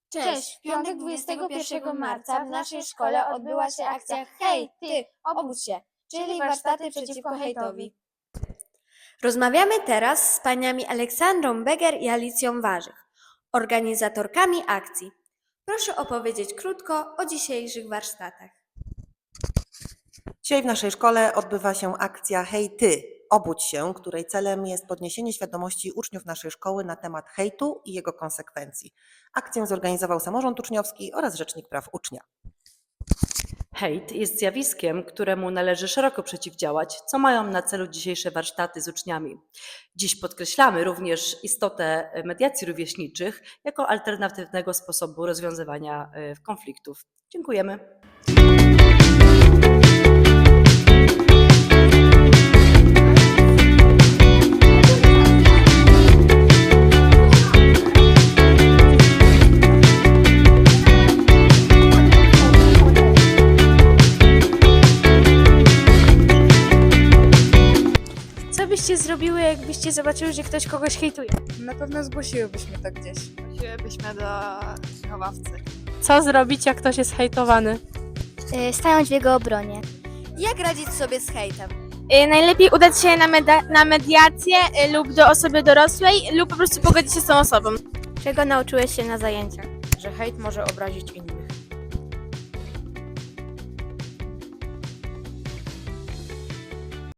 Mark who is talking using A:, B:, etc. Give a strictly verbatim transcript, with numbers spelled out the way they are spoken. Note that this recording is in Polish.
A: Cześć! W piątek dwudziestego pierwszego marca w naszej szkole odbyła się akcja Hej, ty, obudź się, czyli warsztaty przeciwko hejtowi.
B: Rozmawiamy teraz z paniami Aleksandrą Beger i Alicją Warzych, organizatorkami akcji. Proszę opowiedzieć krótko o dzisiejszych warsztatach.
C: Dzisiaj w naszej szkole odbywa się akcja Hej Ty, obudź się, której celem jest podniesienie świadomości uczniów naszej szkoły na temat hejtu i jego konsekwencji. Akcję zorganizował samorząd uczniowski oraz Rzecznik Praw Ucznia.
D: Hejt jest zjawiskiem, któremu należy szeroko przeciwdziałać, co mają na celu dzisiejsze warsztaty z uczniami. Dziś podkreślamy również istotę mediacji rówieśniczych jako alternatywnego sposobu rozwiązywania konfliktów. Dziękujemy.
A: Co byście zrobiły, jakbyście zobaczyły, że ktoś kogoś hejtuje?
E: Na pewno zgłosiłybyśmy to gdzieś.
F: Zgłosiłybyśmy do wychowawcy.
A: Co zrobić, jak ktoś jest hejtowany?
G: Stanąć w jego obronie.
B: Jak radzić sobie z hejtem?
A: Najlepiej udać się na, meda- na mediację y, lub do osoby dorosłej lub po prostu pogodzić się z tą osobą.
G: Czego nauczyłeś się na zajęciach?
E: Że hejt może obrazić innych.